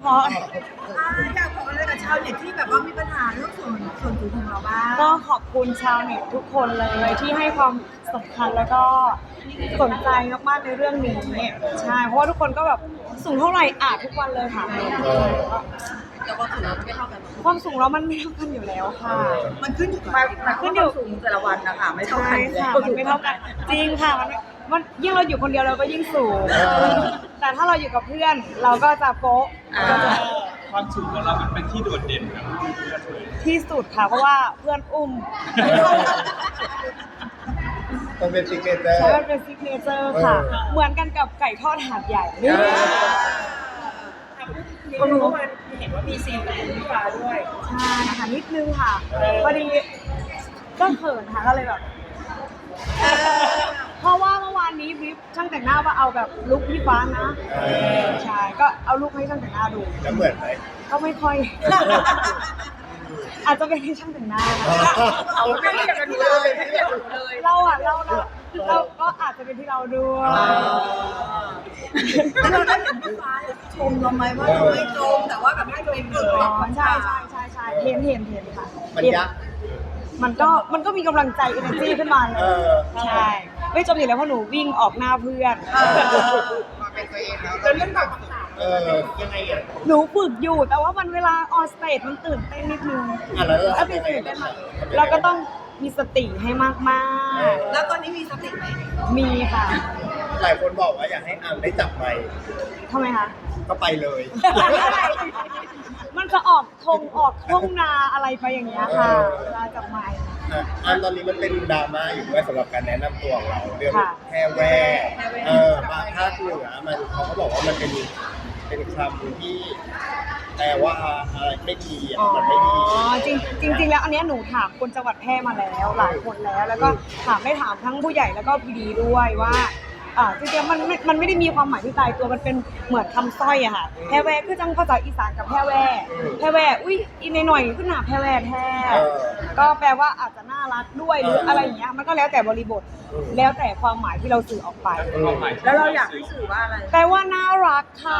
เพราะอยากบอกอะไรกับชาวเน็ตที่แบบว่ามีปัญหาเรื่องส่วนตัวของเราบ้างก็ขอบคุณชาวเน็ตทุกคนเลยที่ให้ความสำคัญแล้วก็สนใจมากๆในเรื่องนี้ใช่เพราะว่าทุกคนก็แบบสูงเท่าไหร่อ่านทุกวันเลยค่ะแต่ความสูงเราไม่เท่ากันความสูงเรามันไม่เท่ากันอยู่แล้วค่ะมันขึ้นอยู่กับขึ้นอยู่สูงแต่ละวันนะคะไม่เท่าใช่กันค่ะมันไม่เท่ากันจริงค่ะมันยิ่งเราอยู่คนเดียวเราก็ยิ่งสูงแต่ถ้าเราอยู่กับเพื่อนเราก็จะโป๊ะความสูงของเรามันเป็นที่โดดเด่นครับที่สุดค่ะเพราะว่าเพื่อนอุ้มมันเป็นซิกเนเจอร์ใช่มันเป็นซิกเนเจอร์ค่ะเหมือนกันกับไก่ทอดหาดใหญ่ก็รู้ว่าเห็นว่ามีซีนกับคุณพี่ฟ้าด้วยใช่ค่ะนิดนึงค่ะพอดีก็เขินค่ะก็เลยแบบเพราะว่าเมื่อวานนี้วิปช่างแต่งหน้าว่าเอาแบบลุคพี่ฟ้านะใช่ก็เอาลุคให้ช่างแต่งหน้าดูแล้วเหมือนไหมก็ไม่ค่อย อาจจะเป็นที่ช่างแต่งหน้าเอาไม่ได้กันเลยเราก็อาจจะเป็นที่เราด้วยแล้วเราได้เห็นพี่ฟ้าชมเราไหมว่าเราไม่ตรงแต่ว่าแบบให้ตัวเองเกิดความใช่เห็นค่ะมันยากมันก็มีกำลังใจ energy ขึ้นมาเลยใช่ไม่จมอยู่แล้วเพราะหนูวิ่งออกหน้าเพื่อนมาเป็นตัวเองแล้วเรื่องตอบคำถามยังไงอ่ะหนูฝึกอยู่แต่ว่ามันเวลาออนสเตจมันตื่นเต้นนิดนึงแล้วถ้าตื่นเต้นมากเราก็ต้องมีสติให้มากแล้วตอนนี้มีสติไหมๆมีค่ะหลายคนบอกว่าอยากให้อัมได้จับไมค์ทำไมคะก็ไปเลยมันจะออกทุ่งนาอะไรไปอย่างเงี้ยค่ะเวลาจับไมค์อันตอนนี้มันเป็นดราม่าอยู่ด้วยสำหรับการแนะนำตัวของเราเรื่องค่ะแพรแวบางภาคเหนือมันเขาก็บอกว่ามันเป็นคำที่แปลว่าอะไรไม่ดีอ่ะมันไม่ดีจริงแล้วอันเนี้ยหนูถามคนจังหวัดแพร่มาแล้วหลายคนแล้วก็ถามทั้งผู้ใหญ่แล้วก็พีดีด้วยว่าจริงๆมันไม่ได้มีความหมายที่ตายตัวมันเป็นเหมือนคำสร้อยอะค่ะแพร่แวคือจังภาษาอีสานกับแพร่แวอุ้ยอีหน่อยขึ้นหนาแพร่แวแท้ก็แปลว่าอาจจะน่ารักด้วยหรืออะไรอย่างเงี้ยมันก็แล้วแต่บริบทแล้วแต่ความหมายที่เราสื่อออกไปแล้วเราอยากให้สื่อว่าอะไรแปลว่าน่ารักค่ะ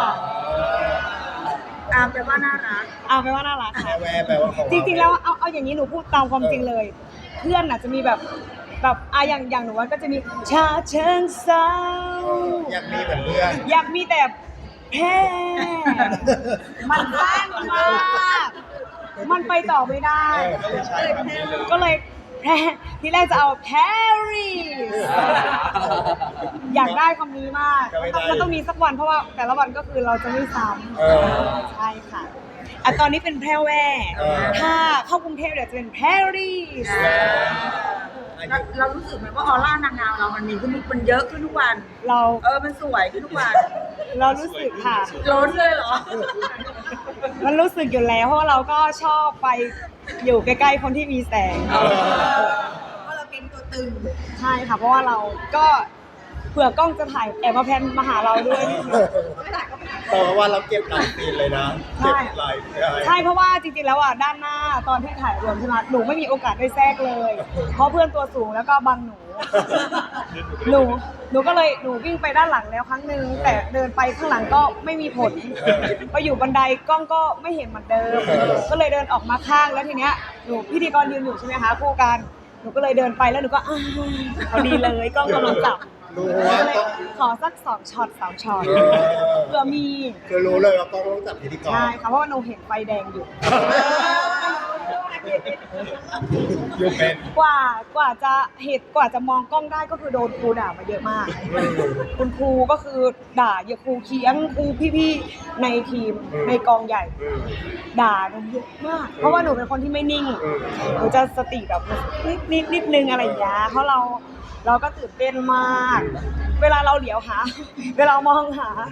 แปลว่าน่ารักแปลว่าน่ารักแพรค่ะแวแปลว่าของจริงๆแล้วเอาอย่างนี้หนูพูดตามความจริงเลย เพื่อนน่ะจะมีแบบอย่างหนูว่าก็จะมีชาเชิงเซาอยากมีเหมือนเพื่อนอยากมีแต่แพร่มันแรงมากมันไปต่อไม่ได้ ก็เลยแพร่ทีแรกจะเอาแพรีสอยากได้คำนี้มากมันต้องมีสักวันเพราะว่าแต่ละวันก็คือเราจะไม่ซ้ำใช่ค่ะตอนนี้เป็นแพร่แว่ถ้าเข้ากรุงเทพเดี๋ยวจะเป็นแพรีสเรารู้สึกไหมว่าออร่านางงามเรามันมีขึ้นมันเยอะขึ้นทุกวัน มันสวยขึ้นทุกวันเรารู้สึกค่ะล้นเลยเหรอมันรู้สึกอยู่แล้วเพราะว่าเราก็ชอบไปอยู่ใกล้ๆคนที่มีแสงเพราะเราเป็นตัวตึงใช่ค่ะเพราะว่าเราก็เผื่อกล้องจะถ่ายแอบมาแพนมาหาเราด้วยนิดนึงแต่ว่าเราเก็บหลายซีนเลยนะเก็บหลายใช่เพราะว่าจริงๆแล้วด้านหน้าตอนที่ถ่ายรวมใช่ไหมหนูไม่มีโอกาสได้แทรกเลย เพราะเพื่อนตัวสูงแล้วก็บังหนูก็เลยหนูวิ่งไปด้านหลังแล้วครั้งนึงแต่เดินไปข้างหลังก็ไม่มีผลไปอยู่บันไดกล้องก็ไม่เห็นเหมือนเดิมก็เลยเดินออกมาข้างแล้วทีเนี้ยหนูพิธีกรยืนอยู่ใช่ไหมคะคู่กันหนูก็เลยเดินไปแล้วหนูก็พอดีเลยกล้องกำลังจับขอสัก2 ช็อต 3 ช็อตเพื่อมีคือรู้เลยว่าต้องจับพิธีกรใช่ค่ะเพราะว่าหนูเห็นไฟแดงอยู่อยู่เป็นกว่าจะมองกล้องได้ก็คือโดนครูด่ามาเยอะมากคุณครูก็คือด่าเยอะครูเคียงครูพี่ๆในทีมในกองใหญ่ด่าหนูเยอะมากเพราะว่าหนูเป็นคนที่ไม่นิ่งหนูจะสติแบบนิดนึงอะไรอย่างเงี้ยเพราะเราก็ตื่นเต้นมาก เวลาเราเหลียวหาเวลามองหา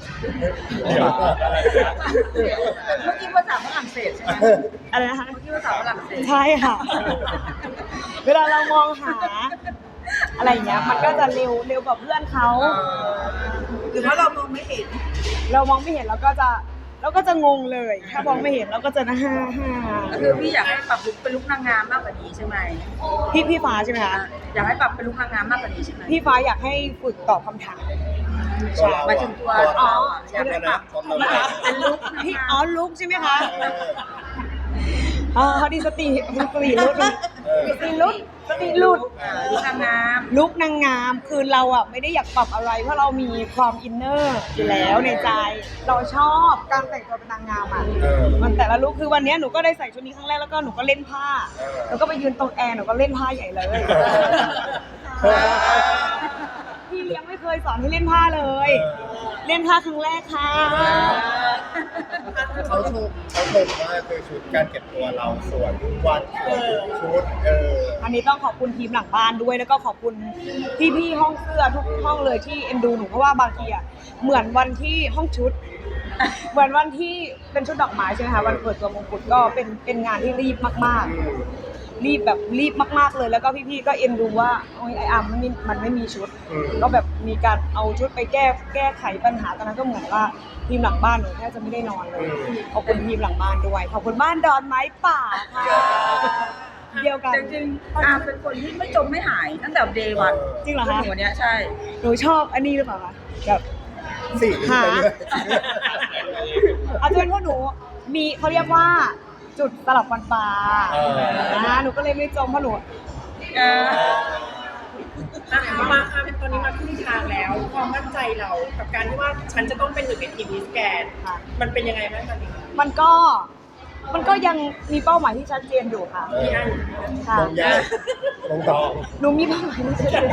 เมื่อกี้ภาษาฝรั่งเศสใช่ไหมอะไรนะคะเมื่อกี้ภาษาฝรั่งเศสใช่ค่ะ เวลาเรามองหาอะไรอย่างเงี้ยมันก็จะเร็วกว่าเพื่อนเขาหรือว่าเรามองไม่เห็นเรามองไม่เห็นเราก็จะงงเลยถ้ามองไม่เห็นเราก็จะฮ่าคือพี่อยากให้ปรับลุคเป็นลุคนางงามมากกว่านี้ใช่ไหมพี่ฟ้าใช่ไหมคะอยากให้ปรับเป็นลุคนางงามมากกว่านี้ใช่ไหมพี่ฟ้าอยากให้ฝึกตอบคำถามหมายถึงตัวเราอยากให้ปรับเป็นลุคลุกใช่ไหมคะอ๋อพอดีสติหลุดลุกนางงามลุกนางงามคือเราอ่ะไม่ได้อยากปรับอะไรเพราะเรามีความอินเนอร์อยู่แล้วในใจเราชอบการแต่งตัวเป็นนางงามอ่ะมันแต่ละลุกคือวันนี้หนูก็ได้ใส่ชุดนี้ครั้งแรกแล้วก็หนูก็เล่นผ้าแล้วก็ไปยืนตรงแอร์หนูก็เล่นผ้าใหญ่เลยพี่เลี้ยงไม่เคยสอนให้เล่นผ้าเลย เล่นผ้าครั้งแรกค่ะเขาชมว่าคือชุดการเก็บตัวเราสวยทุกวันชุดอันนี้ต้องขอบคุณทีมหลังบ้านด้วยแล้วก็ขอบคุณพี่ๆห้องเสื้อทุกห้องเลยที่เอ็นดูหนูเพราะว่าบางทีอ่ะเหมือนวันที่ห้องชุดเหมือนวันที่เป็นชุดดอกไม้ใช่ไหมคะวันเปิดตัวมงกุฎก็เป็นงานที่รีบมากๆรีบมากๆเลยแล้วก็พี่ๆก็เอ็นดูว่าโอ้ยไออาร์มันไม่มีชุดก็แบบมีการเอาชุดไปแก้ไขปัญหาตอนนั้นก็เหมือนว่าทีมหลังบ้านหนูแทบจะไม่ได้นอนเลยขอบคุณทีมหลังบ้านด้วยขอบคุณบ้านดอนไม้ป่าค่ะเดียวกันจริงๆอาเป็นคนที่ไม่จมไม่หายตั้งแต่เดย์วันจริงเหรอคะหนูเนี้ยใช่หนูชอบอันนี้หรือเปล่าคะแบบสีหาอาจจะเป็นเพราะหนูมีเขาเรียกว่าจุดสลับฟันปลาหนูก็เลยไม่จมเพราะหนูมาเป็นตอนนี้มาครึ่งทางแล้วความมั่นใจเรากับการที่ว่าฉันจะต้องเป็นหนึ่งในทีมมิสแกรนด์มันเป็นยังไงบ้างตอนนี้มันก็ยังมีเป้าหมายที่ชัดเจนอยู่ค่ะพี่อันค่ะลงตองหนูมีเป้าหมายที่ชัดเจน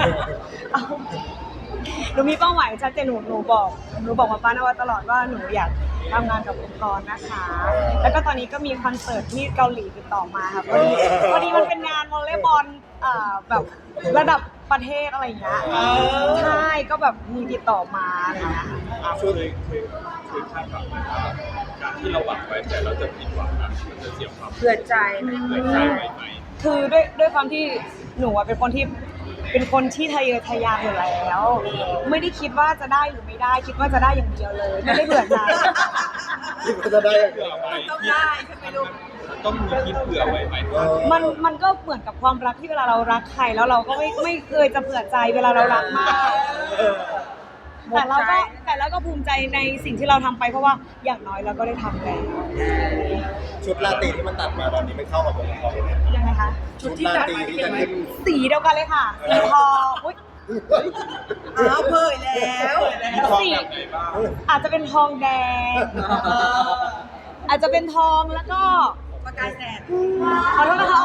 หนูมีเป้าหมายชัดเจนหนูบอกมาป้านว่าตลอดว่าหนูอยากทำงานกับองค์กรนะคะแล้วก็ตอนนี้ก็มีคอนเสิร์ตที่เกาหลีติดต่อมาค่ะพอดีมันเป็นงานวอลเลย์บอลแบบระดับประเทศอะไรอย่างเงี้ยใช่ก็แบบมีติดต่อมาอะไรเงี้ยเคยคาดหวังไหมว่าการที่เราหวังไว้แต่เราจะผิดหวังนะมันจะเสียความเผื่อใจไหมคือด้วยความที่หนูเป็นคนที่ทะเยอทะยานอยู่แล้วไม่ได้คิดว่าจะได้หรือไม่ได้คิดว่าจะได้อย่างเดียวเลยไม่ได้เบื่อใจคิดว่าจะได้อย่างเดียวต้องได้ใช่ไหมลูกต้องมีคิดเผื่อไว้ไหมมันก็เหมือนกับความรักที่เวลาเรารักใครแล้วเราก็ไม่เคยจะเผื่อใจเวลาเรารักมากแต่เราก็ภูมิใจในสิ่งที่เราทำไปเพราะว่าอย่างน้อยเราก็ได้ทำแล้วชุดลาตีที่มันตัดมาตอนนี้ไม่เข้ากับวงเขายังไงคะชุดลาตีที่จะขึ้นสีเดียวกันเลยค่ะสีทองเผยแล้วสีอาจจะเป็นทองแดงอาจจะเป็นทองแล้วก็ประกายแสงขอโทษนะคะ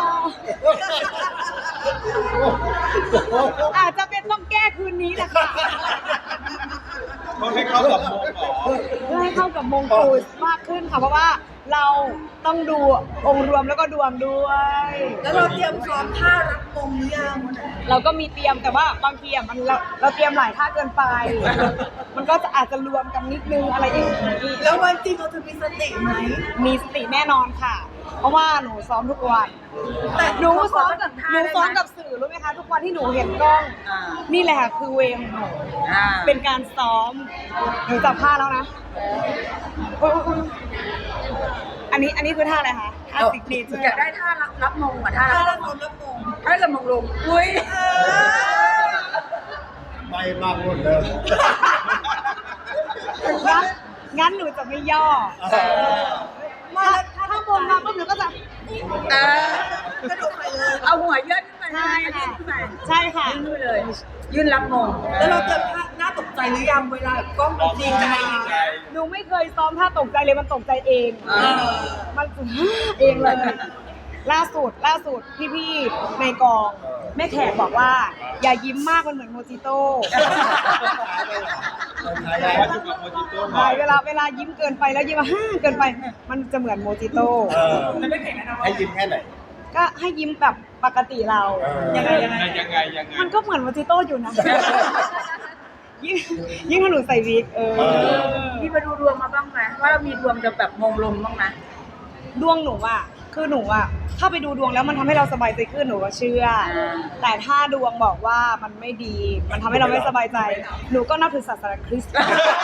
อาจจะเป็นต้องแก้คืนนี้แหละค่ะต้องให้เข้ากับมงหรอเพื่อให้เข้ากับมงกุฎมากขึ้นค่ะเพราะว่าเราต้องดูองค์รวมแล้วก็ดวงด้วยแล้วเราเตรียมซ้อมท่ารับมงหรือยังเราก็มีเตรียมแต่ว่าบางทีมันเราเตรียมหลายท่าเกินไปมันก็อาจจะรวมกันนิดนึงอะไรอย่างนี้แล้ววันจริงเราจะมีสติไหมมีสติแน่นอนค่ะเพราะว่าหนูซ้อมทุกวันแต่หนูซ้อมกับสื่อรู้ไหมคะทุกวันที่หนูเห็นกล้องนี่แหละค่ะคือเวรของหนูเป็นการซ้อมหนูจับผ้าแล้วนะอันนี้คือท่าอะไรคะท่าสิกเนเจอร์อยากได้ท่ารับมงอ่ะท่ารับมงท่ากับมงลงอุ้ยไม่มากหมดเลยงั้นหนูจะไม่ย่อถ้ามงมาปุ๊บหนูก็จะกระโดดไปเลยเอาหัวยื่นขึ้นไปใช่ค่ะใช่ค่ะยื่นเลยยื่นรับมงแล้วเราเจอท่าหน้าตกใจหรือยังเวลากล้องมันดีใจหนูไม่เคยซ้อมท่าตกใจเลยมันตกใจเองมันเองเลยล่าสุดพี่ๆในกองแม่แขกบอกว่าอย่ายิ้มมากมันเหมือนโมจิโต้เวลายิ้มเกินไปแล้วยิ้มเกินไปมันจะเหมือนโมจิโต้ให้ยิ้มแค่ไหนก็ให้ยิ้มแบบปกติเรายังไงมันก็เหมือนโมจิโต้อยู่นะยิ่งถ้าหนูใส่วิกพี่ไปดูดวงมาบ้างไหมว่าเรามีดวงจะแบบมงลงบ้างไหมดวงหนูอ่ะคือหนูอ่ะถ้าไปดูดวงแล้วมันทำให้เราสบายใจขึ้นหนูก็เชื่อแต่ถ้าดวงบอกว่ามันไม่ดีมันทำให้เราไม่สบายใจหนูก็นับถือศาสนาคริสต์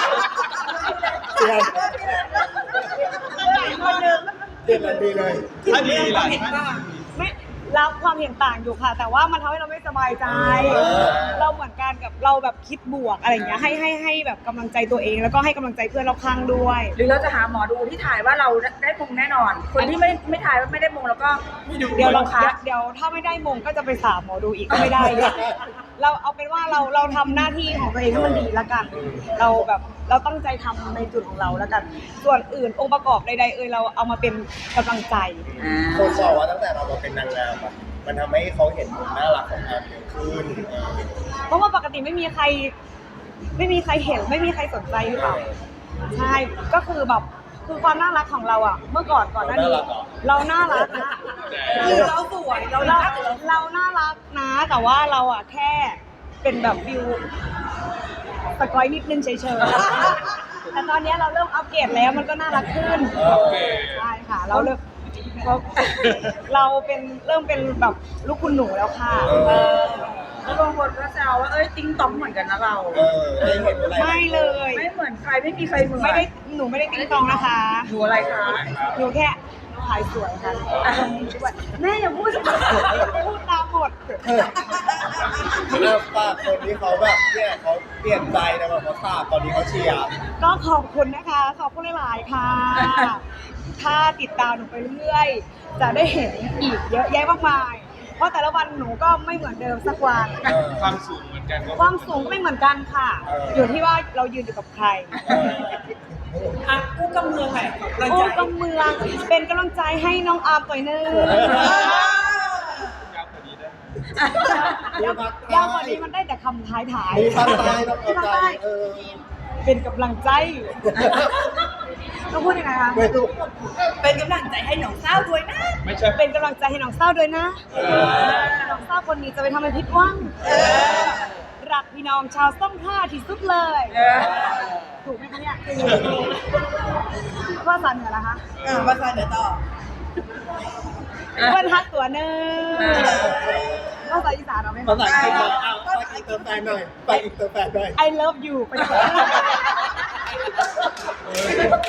เดือนดีเลยถ้าดีล่ะไม่รับความเห็นต่างอยู่ค่ะแต่ว่ามันทำให้เราไม่สบายใจเราเหมือนกันการกับเราแบบคิดบวกอะไรอย่างเงี้ยให้แบบกำลังใจตัวเองแล้วก็ให้กำลังใจเพื่อนรอบข้างด้วยหรือเราจะหาหมอดูที่ถ่ายว่าเราได้มงแน่นอน คนที่ไม่ถ่ายว่าไม่ได้มงแล้วก็เดี๋ยวลงคัดเดี๋ยวถ้าไม่ได้มงก็จะไปสาบหมอดูอีกก็ไม่ได้เลยเราเอาเป็นว่าเราทำหน้าที่ของตัวเองให้มันดีแล้วกัน เราตั้งใจทำในจุดของเราแล้วกัน ส่วนอื่นองค์ประกอบใดๆเราเอามาเป็นกำลังใจคนบอกว่าตั้งแต่เรามาเป็นนางงามอะมันทำให้เขาเห็นมุมน่ารักของแอมเยอะขึ้นเพราะว่าปกติไม่มีใครเห็นไม่มีใครสนใจหรือเปล่าใช่ก็คือแบบคือความน่ารักของเราอ่ะ เมื่อก่อนหน้านี้เราน่ารักนะเราสวยเราเราน่ารักนะ แต่ว่าเราอ่ะแค่เป็นแบบวิวสกอยนิดนึงเฉยๆแต่ตอนนี้เราเริ่มอัปเกรดแล้วมันก็น่ารักขึ้นใช่ค่ะเราเริ่มเราเริ่มเป็นแบบลูกคุณหนูแล้วค่ะแล้วบางคนก็แซวว่าติ้งต้องเหมือนกันนะเราได้เห็นอะไรไม่เลยไม่เหมือนใครไม่มีใครเหมือนหนูไม่ได้ติ๊งตองนะคะหนูอะไรคะหนูแค่ขายสวยค่ะแม่อย่าพูดตามหมดฝากคนที่เขาแบบเนี่ยเขาเปลี่ยนใจนะแบบเขาทราบตอนนี้เขาเชียร์ก็ขอบคุณนะคะ ขอบคุณหลายๆค่ะ ถ้าติดตามหนูไปเรื่อยจะได้เห็นอีกเยอะแยะมากมาย เพราะแต่ละวันหนูก็ไม่เหมือนเดิมสักวันความสูงเหมือนกันความสูงก็ไม่เหมือนกันค่ะ อยู่ที่ว่าเรายืนอยู่กับใครอ่ะกู้กำเมืองไหนของเราโอ้ใจกำเมืองเป็นกำลังใจให้น้องอาร์มต่อยเนอร์ยาวกว่านี้ได้ไหมยาวกว่านี้มันได้แต่คำท้ายมีภาคใต้ต้องเข้าใจเป็นกำลังใจต้องพูดยังไงคะไม่ถูกเป็นกำลังใจให้หนองเศร้าด้วยนะไม่ใช่เป็นกำลังใจให้น้องเศร้าด้วยนะน้องเศร้าคนนี้จะไปทำให้ผิดหวังรักพี่น้องชาวซ่องท่าที่สุดเลย ถูกไหมคะเนี่ยภาษาเหนือนะคะภาษาเหนือต่อเพื่อนฮักตัวเนอภาษาอีสานเราไม่ภาษาอังกฤษหน่อยไปอินเตอร์แฟนหน่อยไปอินเตอร์แฟนหน่อย I love you ไป